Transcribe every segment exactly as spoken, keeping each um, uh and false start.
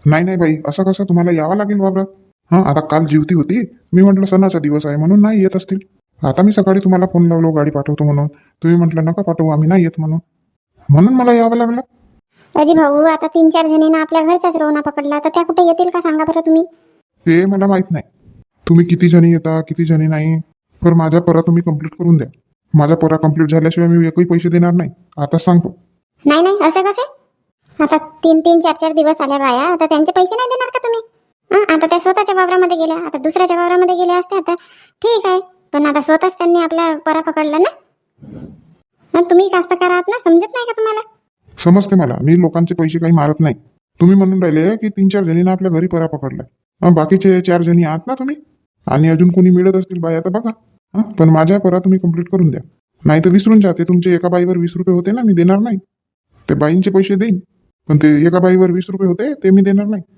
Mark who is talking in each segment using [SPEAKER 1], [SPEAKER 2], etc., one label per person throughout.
[SPEAKER 1] नाही नाही बाई, असं कसं, तुम्हाला यावं लागेल वावरात. हां, आता काल जीवती होती, मी म्हटलं सणाचा दिवस आहे म्हणून नाही येत असतील. आता मी सकाळी तुम्हाला फोन लावलो गाडी पाठवतो म्हणून, तुम्ही म्हटलं नका पाठवू, आम्ही नाही येत म्हणून म्हणून मला यावं लागलं.
[SPEAKER 2] अजी भाऊ, आता तीन चार जणींना आपल्या घरचाच रोना पकडला, तर त्या कुठे येतील का सांगा बरं तुम्ही.
[SPEAKER 1] ते मला माहित नाही तुम्ही किती जणी येता किती जणी नाही, पण माझ्या परा तुम्ही कंप्लीट करून द्या. माझा परा कंप्लीट झाल्याशिवाय मी एकही पैसे देणार नाही, आता सांगतो.
[SPEAKER 2] नाही नाही, असं कसं. आता तीन तीन चार चार दिवस आल्या बाया, आता त्यांचे पैसे नाही देणार का तुम्ही? हं, आता त्या स्वतःच्या वावरामध्ये गेल्या, आता दुसऱ्याच्या वावरामध्ये गेल्या असत्या आता ठीक आहे, पण आता स्वतःच त्यांनी आपला परा पकडला ना. हं, तुम्ही कास्तकार आहात ना, समजत नाही का तुम्हाला?
[SPEAKER 1] समजते मला, मी लोकांचे पैसे काही मारत नाही. तुम्ही म्हणून राहिले की तीन चार जणींना आपल्या घरी परा पकडला, हं, बाकीचे चार जणी आहात ना तुम्ही, आणि अजून कोणी मिळत असतील बाया तर बघा. हं, पण माझ्या परा तुम्ही कंप्लीट करून द्या, नाही तर विसरून जाते. तुमचे एका बाईवर वीस रुपये होते ना, मी देणार नाही. ते बाईंचे पैसे देईन, पण ते एका बाईवर वीस रुपये होते ते मी देणार नाही.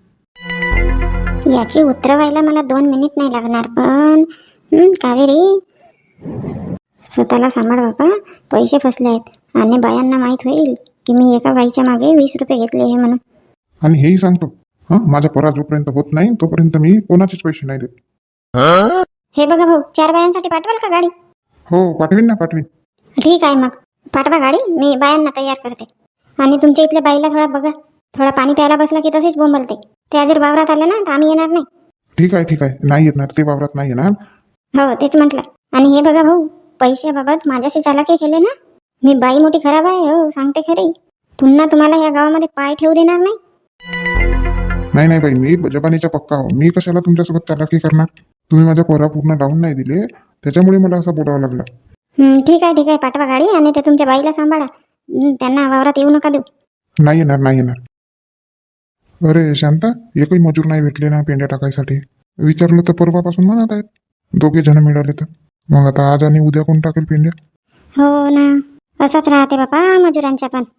[SPEAKER 2] याची उत्तर व्हायला मला दोन मिनिट नाही लागणार, पण हं, कावेरी स्वतःला सांभाळ बाबा, पैसे फसले आहेत आणि बायांना माहीत होईल की मी एका बाईच्या मागे वीस रुपये घेतले हे म्हणून.
[SPEAKER 1] आणि हेही सांगतो, हं, माझा परा जोपर्यंत होत नाही तोपर्यंत मी कोणाचेच पैसे नाही देत.
[SPEAKER 2] हे बघा भाऊ, चार बायांसाठी पाठवाल का गाडी?
[SPEAKER 1] हो, पाठवीन ना, पाठवीन.
[SPEAKER 2] ठीक आहे, मग पाठवा गाडी, मी बायांना तयार करते. आणि तुमच्या इथल्या बाईला थोडा बघा, थोडा पाणी प्यायला बसला की तसेच बोंबलते. त्या जर वावरात आल्या ना तर आम्ही येणार नाही.
[SPEAKER 1] ठीक आहे ठीक आहे, नाही येणार ते, वावरात नाही येणार.
[SPEAKER 2] हो, तेच म्हटलं. आणि हे बघा भाऊ, पैशाबाबत माझ्याशी चालाकी केले ना, मी बाई मोठी खराब आहे, हो सांगते खरी. पुन्हा तुम्हाला या गावामध्ये पाय ठेवू देणार नाही.
[SPEAKER 1] नाही नाही बाई, मी जबानीचा पक्का हो, मी कशाला तुमच्यासोबत चालाकी करणार. तुम्ही माझ्या पोरा पूर्ण लावून नाही दिले, त्याच्यामुळे मला असं बोलावं लागलं.
[SPEAKER 2] हं, ठीक आहे ठीक आहे, पाठवा गाडी आणि ते तुमच्या बाईला सांभाळा. हं, त्यांना वावरात येऊ नका देऊ.
[SPEAKER 1] नाही येणार नाही येणार. अरे शांता, एकही मजूर नाही भेटले ना पेंड्या टाकायसाठी. विचारलं तर परवापासून म्हणत आहेत दोघे जण मिळाले तर. मग आता आज आणि उद्या कोण टाकेल पेंड्या?
[SPEAKER 2] हो ना, असंच राहते बाबा मजुरांच्या पण.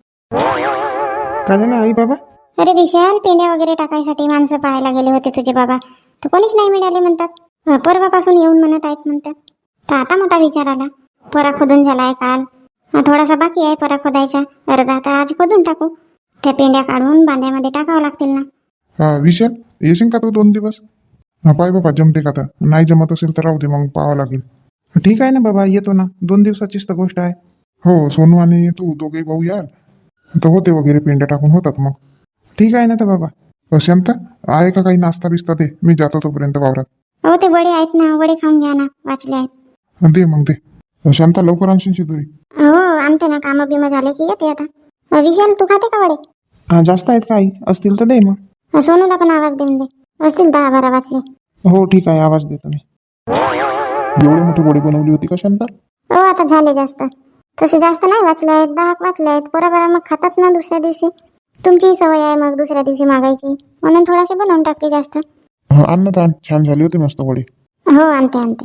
[SPEAKER 1] काय झालं आई बाबा?
[SPEAKER 2] अरे विशाल, पेंड्या वगैरे टाकायसाठी माणसं पाहायला गेले होते तुझे बाबा, तर कोणीच नाही मिळाले म्हणतात. अं, परवापासून येऊन म्हणत आहेत म्हणतात. तर आता मोठा विचार आला, परा खोदून झालाय काल, हा थोडासा बाकी आहे परा खोदायचा, अर्धा तर आज खोदून टाकू. त्या पेंड्या काढून बांध्यामध्ये टाकावं लागतील ना.
[SPEAKER 1] हा विशाल, येशील का तू दोन दिवस? हा पाय बाबा, जमते का? आता नाही जमत असेल तर राहू दे, मग पाहावं लागेल.
[SPEAKER 3] ठीक आहे ना बाबा, येतो ना, दोन दिवसाचीच तर गोष्ट आहे.
[SPEAKER 1] हो, सोनू आणि तू दोघे भाऊ याल तर होते वगैरे, पेंड्या टाकून होतात मग.
[SPEAKER 3] ठीक आहे ना तर बाबा.
[SPEAKER 1] अ, शांता, आहे का काही नाश्ता बिस्ता? दे, मी जातो तोपर्यंत वावरात.
[SPEAKER 2] हो, ते वडे आहेत ना, वडे खाऊन घ्या ना, वाचले आहेत.
[SPEAKER 1] दे मग दे. अ, शांता, लवकर आणशील शिदुरी.
[SPEAKER 2] हो, आणते ना, कामं बिमं झाले की येते आता. अं, विशाल, तू खाते का वडे?
[SPEAKER 3] हा, जास्त आहेत का आई? असतील तर दे मग.
[SPEAKER 2] अं, सोनूला पण आवाज देऊन दे, असतील दहा बारा वाचले.
[SPEAKER 3] हो ठीक आहे, आवाज देतो मी.
[SPEAKER 1] एवढी मोठी गोडी बनवली होती का शांता?
[SPEAKER 2] हो, आता झाले जास्त, तसे जास्त नाही वाचले आहेत, दहा वाचले आहेत. बरोबर मग खातात ना दुसऱ्या दिवशी. तुमचीही सवय आहे मग दुसऱ्या दिवशी मागायची, म्हणून थोडासे बनवून टाकले जास्त.
[SPEAKER 1] हा, आण ना, आण, छान झाली होती मस्त वडी.
[SPEAKER 2] हो, आणते आणते.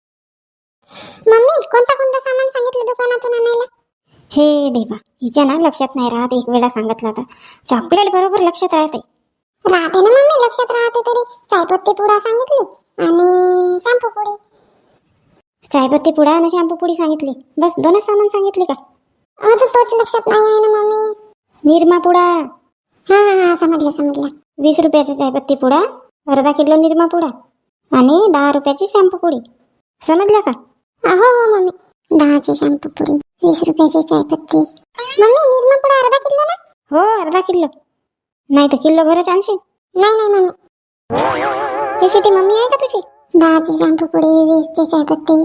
[SPEAKER 2] मम्मी, कोणता कोणता सामान सांगितलं दुकानातून आणायला? हे देवा, हिच्या ना लक्षात नाही राहत, एक वेळा सांगितलं तर चॉकलेट बरोबर लक्षात राहते. राहते ना मम्मी, लक्षात राहते तरी. चायपत्ती पुडा सांगितली आणि शॅम्पू पुडी. चायपत्ती पुडा आणि शॅम्पू पुडी सांगितली, बस दोनच सामान सांगितले का? अजून तोच लक्षात नाही आहे ना मम्मी. निरमा पुडा. हा हा हा, समजलं समजलं. वीस रुपयाचा चायपत्ती पुडा, अर्धा किलो निरमा पुडा आणि दहा रुपयाची शॅम्पू पुडी, समजलं का? हो हो मम्मी, दहाची शॅम्पू पुडी, वीस रुपयाची चायपत्ती. मम्मी, निरमा पुडा अर्धा किलो ना? हो, अर्धा किलो, नाही तर किलो भरच आणशील. नाही नाही मम्मी. ही शिटी मम्मी आहे का तुझी? दहाची शॅम्पू पुडी, वीसची चायपत्ती.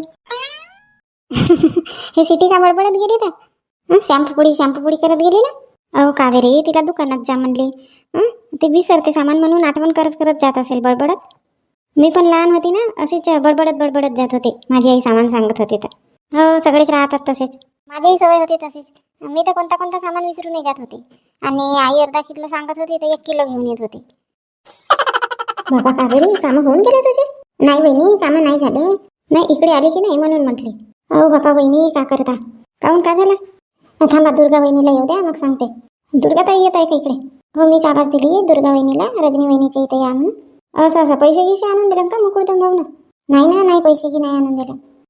[SPEAKER 2] हे सिटी का बडबडत गेली तर? शॅम्पू पुडी शॅम्पू पुडी करत गेली ना. अहो कावेरी, तिला दुकानात जा म्हणली, ते विसरते सामान म्हणून आठवण करत करत जात असेल बडबडत. मी पण लहान होती ना, असेच बडबडत बडबडत जात होते, माझी आई सामान सांगत होती तर. हो, सगळेच राहतात तसेच, माझीही सवय होती तशीच. मी तर कोणता कोणता सामान विसरूनही जात होते, आणि आई अर्धा किलो सांगत होती तर एक किलो घेऊन येत होती. बाबा कावेरी, कामं होऊन गेले तुझे? नाही बहिणी, कामं नाही झाले. नाही, इकडे आली की नाही म्हणून म्हटली. अहो बापा बहिणी, का करता? काहून, का झाला? थांबा, दुर्गा वहिनीला येऊ द्या, मग सांगते. दुर्गा ताई येत आहे का इकडे? हो, मी आवाज दिली दुर्गा वहिनीला, रजनी वहिनीच्या इथे या म्हणून. असं असं पैसे गिसे आणून दिलं का मुकुळदम भाऊ ना? नाही ना, नाही पैसे की नाही आणून दिलं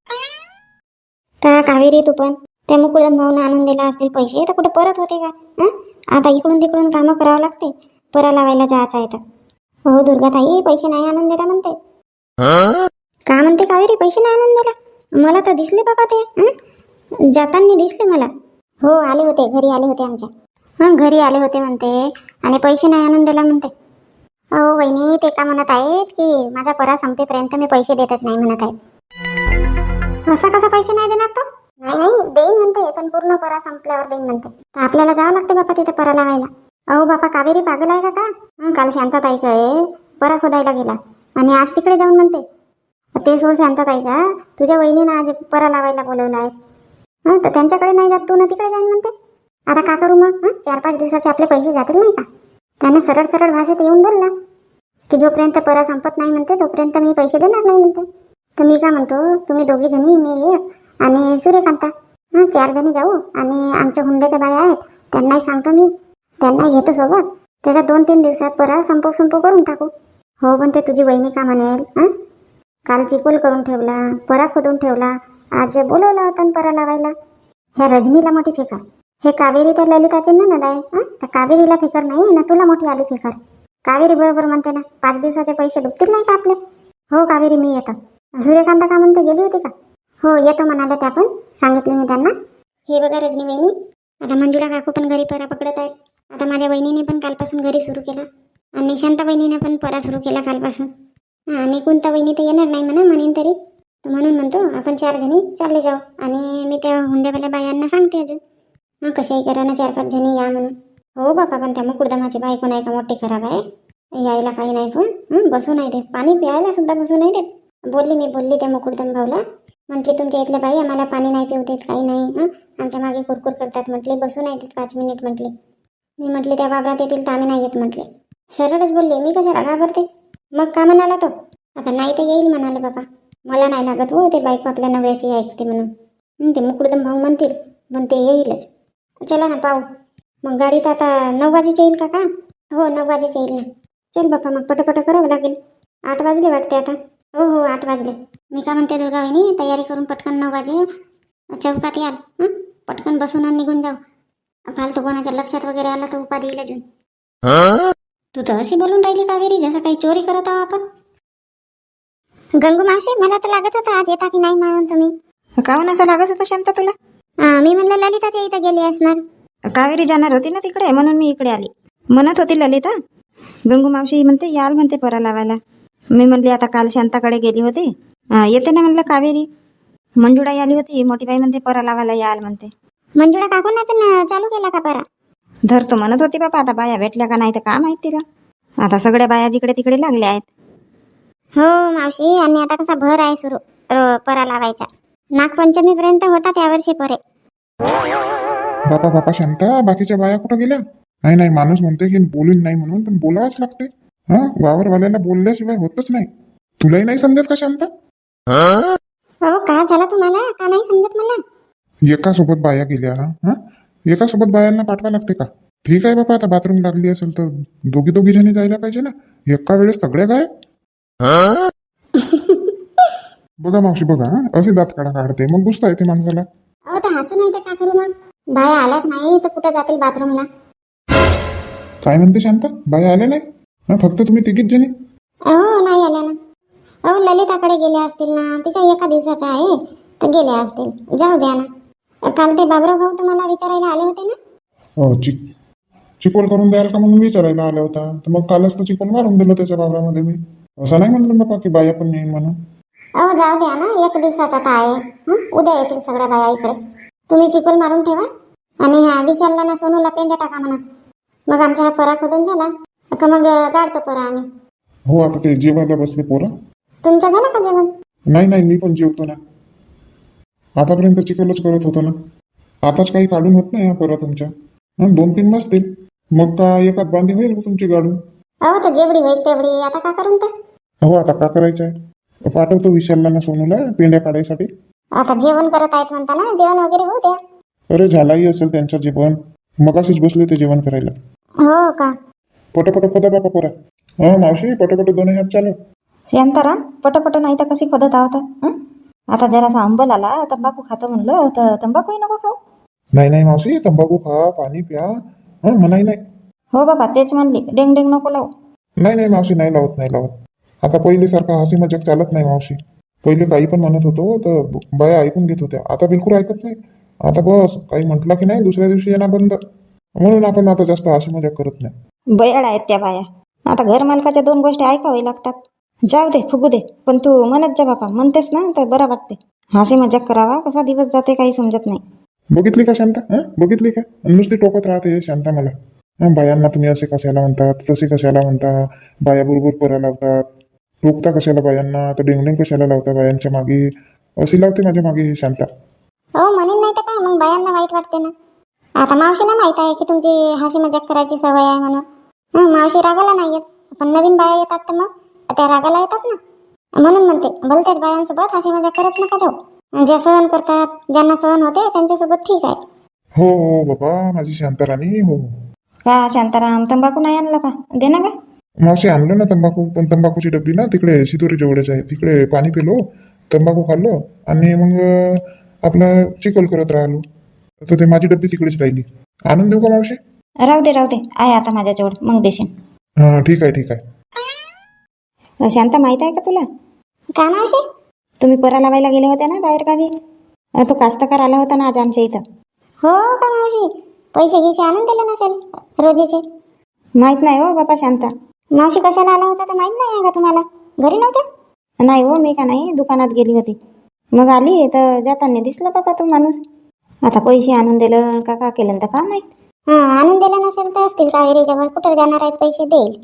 [SPEAKER 2] का कावेरी? तू पण त्या मुकुळदम भाऊनं आणून दिला असतील पैसे तर कुठे परत होते का? हं, आता इकडून तिकडून कामं करावं लागते, परा लावायला जायचं आहे तर. हो दुर्गाताई, पैसे नाही आणून दिला म्हणते. का म्हणते कावेरी, पैसे नाही आणून दिला? मला तर दिसले बाबा ते, हं? जाताना दिसले मला. हो आले होते, घरी आले होते आमच्या. हां घरी आले होते म्हणते आणि पैसे नाही आणून दिला म्हणते. अहो वहिनी, ते का म्हणत आहेत की माझा परा संपेपर्यंत मी पैसे देतच नाही म्हणत आहेत. असा कसा पैसे नाही देणार तो? नाही नाही देईन म्हणते, पण पूर्ण परा संपल्यावर देईन म्हणते. तर आपल्याला जावं लागते बापा तिथे परा लावायला. अहो बापा, कावेरी पागल आहे का का? हं, काल शांताताईकडे परा खोदायला गेला आणि आज तिकडे जाऊन म्हणते. ते सोड शांताताईचा, तुझ्या वहिनीनं आज परा लावायला बोलवलं आहे. हं, तर त्यांच्याकडे नाही जात, तू ना तिकडे जाईन म्हणते. आता का करू मग? हं, चार पाच दिवसाचे आपले पैसे जातील नाही का? त्याने सरळ सरळ भाषेत येऊन बोलला की जोपर्यंत परा संपत नाही म्हणते तोपर्यंत मी पैसे देणार नाही म्हणते. तर मी का म्हणतो, तुम्ही दोघी जणी, मी एक आणि सूर्यकांता, हां चार जणी जाऊ आणि आमच्या हुंड्याच्या बाया आहेत त्यांनाही सांगतो मी, त्यांनाही घेतो सोबत. त्याचा दोन तीन दिवसात परा संपव संपव करून टाकू. हो पण ते तुझी वहिनी का म्हणेल? हं, काल चिकोल करून ठेवला, परा खोदून ठेवला, आज बोलवला होता परा लावायला. ह्या रजनीला मोठी फिकर, हे कावेरी त्या ललिताचे ननद आहे. हं, तर कावेरीला फिकर नाही ना, तुला मोठी आली फिकर. कावेरी बरोबर म्हणते ना, पाच दिवसाचे पैसे डुबतील नाही का आपले? हो कावेरी, मी येतो. सूर्यकांता का म्हणते, गेली होती का? हो येतो म्हणाले त्या, पण सांगितले मी त्यांना. हे बघा रजनी वहिनी, आता मंजुळा काकू पण घरी परा पकडत आहेत. आता माझ्या वहिनीने पण कालपासून घरी सुरू केला आणि शांता वहिनीने पण परा सुरू केला कालपासून. हां आणि कोणता वहिनी तर येणार नाही म्हणा, म्हणेन तरी. तर म्हणून म्हणतो आपण चार जणी चालले जाऊ आणि मी त्या हुंड्यावाल्या बायांना सांगते अजून. हां कशाही करा ना, चार पाच जणी या म्हणून. हो बापा, पण त्या मुकुडदमाची बायको नाही का मोठी खराब आहे, यायला काही नाही पण. हं, बसू नाही देत, पाणी प्यायला सुद्धा बसू नाही देत. बोलली मी बोलली त्या मुकुडदम भाऊला, म्हटली तुमच्या इथल्या बाई आम्हाला पाणी नाही पिऊ देत, काही नाही. हं, आमच्या मागे कुरकुर करतात म्हटले, बसू नाही देत पाच मिनिट म्हटले. मी म्हटले त्या वावरात येतील तर आम्ही नाही येत म्हटले. सरळच बोलले, मी कशाला घाबरते. मग का म्हणाला तो? आता नाही तर येईल म्हणाले बाबा, मला नाही लागत हो ते बायको आपल्या नवऱ्याची ऐकते म्हणून. हं, ते मुकुडदम भाऊ म्हणतील पण ते येईलच. चला ना पाहू. मग गाडीत आता नऊ वाजेची येईल का? का हो नऊ वाजेची येईल ना. चल बापा, मग पटपट करावं लागेल. आठ वाजले वाटते आता. हो हो आठ वाजले. मी का म्हणते दुर्गा वहिनी, तयारी करून पटकन नऊ वाजे चौकात याल. हं, पटकन बसून आणि निघून जाऊ. फालतू कोणाच्या लक्षात वगैरे आला तर उपाधी येईल अजून. तू तर अशी बोलून राहिली कावेरी जसं काही चोरी करत आहो आपण. गंगू मावशी, मला तर लागत होतं आज येता की नाही म्हणून तुम्ही.
[SPEAKER 4] काहून असं लागत होतं शांता तुला?
[SPEAKER 2] हां मी म्हणलं ललिताच्या इथं गेली असणार.
[SPEAKER 4] कावेरी जाणार होती ना तिकडे, म्हणून मी इकडे आली. म्हणत होती ललिता, गंगू मावशी म्हणते याल म्हणते परा लावायला. मी म्हणली आता काल शांताकडे गेली होती, येते ना म्हणलं कावेरी. मंजुळा आली होती, मोठी बाई म्हणते परा लावायला याल म्हणते.
[SPEAKER 2] मंजुळा काकूंना पण चालू केला का परा?
[SPEAKER 4] धरतो म्हणत होती बापा, आता बाया भेटल्या का नाही तर का माहित तिला. आता सगळ्या बाया जिकडे तिकडे लागल्या आहेत.
[SPEAKER 2] हो मावशी, आणि आता कसा भर आहे सुरू परा लावायचा. नागपंचमीपर्यंत होता त्यावर्षी परे.
[SPEAKER 1] बापा बापा शांता, बाकीच्या बाया कुठं गेल्या? नाही नाही, माणूस म्हणते की बोलून नाही म्हणून, पण बोलावंच लागते. हा, वावरवाल्याला बोलल्याशिवाय होतच नाही. तुलाही नाही समजत का शांता?
[SPEAKER 2] हो का झाला तुम्हाला? का नाही समजत मला?
[SPEAKER 1] एका सोबत बाया गेल्या. हा, एका सोबत बायांना पाठवा लागते का? ठीक आहे बापा, आता बाथरूम लागली असेल तर दोघी दोघी जणी जायला पाहिजे ना. एका वेळेस सगळ्या गाय. बघा मावशी बघा, असे दात काढा काढते मग गुस्सा येते माणसाला.
[SPEAKER 2] अहो तर हसू नाही तर का करू मग? बाया आल्याच नाही तर कुठं जातील बाथरूमला?
[SPEAKER 1] काय म्हणते शांता, बाया आल्या नाही? हा, फक्त तुम्ही तिघीच जणी?
[SPEAKER 2] अहो नाही आल्या ना. अहो ललिताकडे गेल्या असतील ना, तिच्या एका दिवसाच्या आहे तर गेल्या असतील. जाऊ द्या ना. काल ते बाबराव भाऊ तुम्हाला विचारायला आले होते ना.
[SPEAKER 1] हो, चिक चिकोल करून द्याल का म्हणून विचारायला आला होता. तर मग कालच तर चिकोल मारून दिलं त्याच्या वावरामध्ये मी. असं नाही म्हणलं बाबा की बाया पण येईन म्हणून.
[SPEAKER 2] अहो जाऊ द्या ना, एक दिवसाचा तर आहे. हं? उद्या येतील सगळ्या बाया इकडे. तुम्ही चिकोल मारून ठेवा आणि ह्या विशालला ना सोनूला पेंड्या टाका म्हणा. मग आमचा हा परा खोदून झाला का मग गाडतो परा आम्ही.
[SPEAKER 1] हो, आता ते जेवायला बसले पोरं.
[SPEAKER 2] तुमचं झालं का जेवण?
[SPEAKER 1] नाही नाही, मी पण जेवतो ना. आतापर्यंत चिकोलच करत होतो ना. आताच काही काढून होत नाही हा परा तुमच्या. हं, दोन तीन बसतील मग का एकात बांधी होईल तुमची गाडून.
[SPEAKER 2] अहो तर जेवढी होईल तेवढी. आता का करून तर?
[SPEAKER 1] हो, आता का करायचं आहे? पाठवतो विशालला ना सोनूला पेंड्या काढायसाठी.
[SPEAKER 2] आता जेवण करत आहेत म्हणता ना, जेवण वगैरे होऊ द्या.
[SPEAKER 1] अरे झालाही असेल त्यांचं जेवण, मगाशीच बसले ते जेवण करायला.
[SPEAKER 2] हो का?
[SPEAKER 1] पटपट खोदा बापा पोरा. हा मावशी, पटपट दोन हात चालू.
[SPEAKER 4] शांताराम, पटपट नाही तर कशी खोदत आहोत. हं? आता जरासा अंबल आला, तंबाखू खातो म्हणलं तर तंबाखूही नको खाऊ.
[SPEAKER 1] नाही नाही मावशी, तंबाखू खा, पाणी प्या. हा, मनाई नाही.
[SPEAKER 4] हो बाबा, तेच म्हणली, डेंग डेंग नको लावू.
[SPEAKER 1] नाही नाही मावशी, नाही लावत नाही लावत. आता पहिलेसारखा हसी मजाक चालत नाही मावशी. पहिले काही पण म्हणत होतो तर बाया ऐकून घेत होत्या, आता बिलकुल ऐकत नाही. आता बस काही म्हटलं की नाही दुसऱ्या दिवशी येणार बंद. म्हणून आपण आता जास्त हसी मजाक करत नाही.
[SPEAKER 4] बयाड आहेत त्या बाया. आता घर मालकाच्या दोन गोष्टी ऐकावे लागतात. जाऊ दे, फुगू दे, पण तू म्हणत जा बापा. म्हणतेस ना तर बरं वाटते. हसी मजाक करावा, कसा दिवस जाते काही समजत नाही.
[SPEAKER 1] बघितली का शांता? हं बघितली का? नुसती टोकत राहते शांता मला. हं, बायांना तुम्ही असे कशाला म्हणतात, तसे कशाला म्हणता, बाया बरोबर परा लावतात, टोकता कशाला बायांना, तर डेंगडेंग कशाला लावता बायांच्या मागे, अशी लावते माझ्या मागे ही शांता.
[SPEAKER 2] हो म्हणेन नाही तर काय, मग बायांना वाईट वाटते ना. आता मावशीला माहित आहे की तुमची हसी मजाक करायची सवय आहे म्हणून. हं, मावशी रागाला नाही येत, पण नवीन बाया येतात तर मग त्या रागाला येतात ना. म्हणून म्हणते भलत्याच बायांसोबत हसी मजाक करत नका जाऊ. ज्या सहन करतात, ज्यांना सहन होते त्यांच्यासोबत ठीक आहे.
[SPEAKER 1] हो हो बाबा माझी शांता राणी, हो हो.
[SPEAKER 4] का शांताराम, तंबाखू नाही आणला का? दे ना का.
[SPEAKER 1] मावशी आणलं ना तंबाखू, पण तंबाखूची डब्बी ना तिकडे शिदोरी जवळच आहे. तिकडे पाणी पिलो, तंबाखू खाल्लो आणि मग अं, आपलं चिखल करत राहिलो. तर ते माझी डब्बी तिकडेच राहिली. आणून देऊ का मावशी?
[SPEAKER 4] राहू दे राहू दे, आहे आता माझ्याजवळ, मग देशील.
[SPEAKER 1] हां ठीक आहे ठीक आहे.
[SPEAKER 4] शांता, माहित आहे का तुला,
[SPEAKER 2] का मावशी?
[SPEAKER 4] तुम्ही परा लावायला गेले होते ना बाहेर गावी? अं, तो कास्तकार आला होता ना आज आमच्या इथं.
[SPEAKER 2] हो का मावशी? पैसे गिसे आणून दिले नसेल रोजीचे.
[SPEAKER 4] माहित नाही हो बाबा शांता.
[SPEAKER 2] मावशी कशाला आला होता तर माहित नाही आहे का तुम्हाला? घरी नव्हते?
[SPEAKER 4] नाही हो, मी का नाही दुकानात गेली होती. मग आली तर जाताना दिसला बाबा तो माणूस. आता पैसे आणून दिलं का का केलं तर का माहित.
[SPEAKER 2] हां, आणून दिले नसेल तर असतील कावेरीच्या वर. कुठं जाणार आहेत पैसे देईल.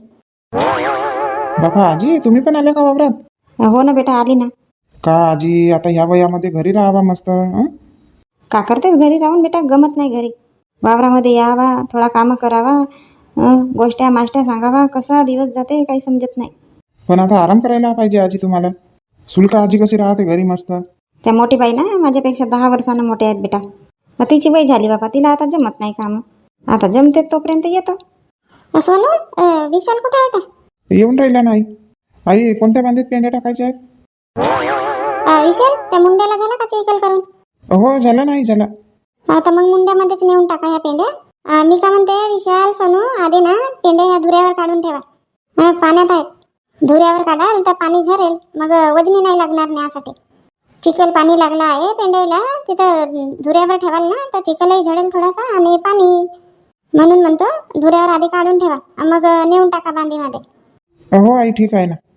[SPEAKER 3] बाबा आजी तुम्ही पण आले का वावरात?
[SPEAKER 4] हो ना बेटा, आली ना.
[SPEAKER 3] का आजी आता ह्या वयामध्ये घरी राहावा मस्त. हं?
[SPEAKER 4] का करतेस घरी राहून बेटा? गमत नाही घरी. वावरामध्ये यावा, थोडा कामं करावा, अं, गोष्ट्या माष्ट्या सांगावा, कसा दिवस जाते काही समजत नाही.
[SPEAKER 3] पण आता आराम करायला पाहिजे आजी तुम्हाला. सुलका आजी कशी राहते घरी मस्त.
[SPEAKER 4] त्या मोठी बाई ना माझ्यापेक्षा दहा वर्षांना मोठे आहेत बेटा. मग तिची वय झाली बाबा, तिला आता जमत नाही कामं. आता जमते तोपर्यंत येतो.
[SPEAKER 2] अ, सोनू, अ, विशाल कुठे आहे का?
[SPEAKER 3] येऊन राहिला नाही. आई कोणत्या बांधीत पेंड्या टाकायच्या आहेत?
[SPEAKER 2] अ, विशाल, त्या मुंड्याला झाला का चिखल करून?
[SPEAKER 3] हो झालं नाही झालं.
[SPEAKER 2] आता मग मुंड्यामध्येच नेऊन टाका ह्या पेंड्या. अ, मी का म्हणते विशाल, सोनू, आधी ना पेंड्या ह्या धुऱ्यावर काढून ठेवा. अ, पाण्यात आहेत, धुऱ्यावर काढाल तर पाणी झरेल, मग वजनी नाही लागणार न्यासाठी. चिखल पाणी लागला आहे पेंड्याला, तिथं धुऱ्यावर ठेवाल ना तर चिखलही झडेल थोडासा आणि पाणी. म्हणून म्हणतो धुऱ्यावर आधी काढून ठेवा, मग नेऊन टाका बांधीमध्ये.
[SPEAKER 3] हो आई ठीक आहे ना.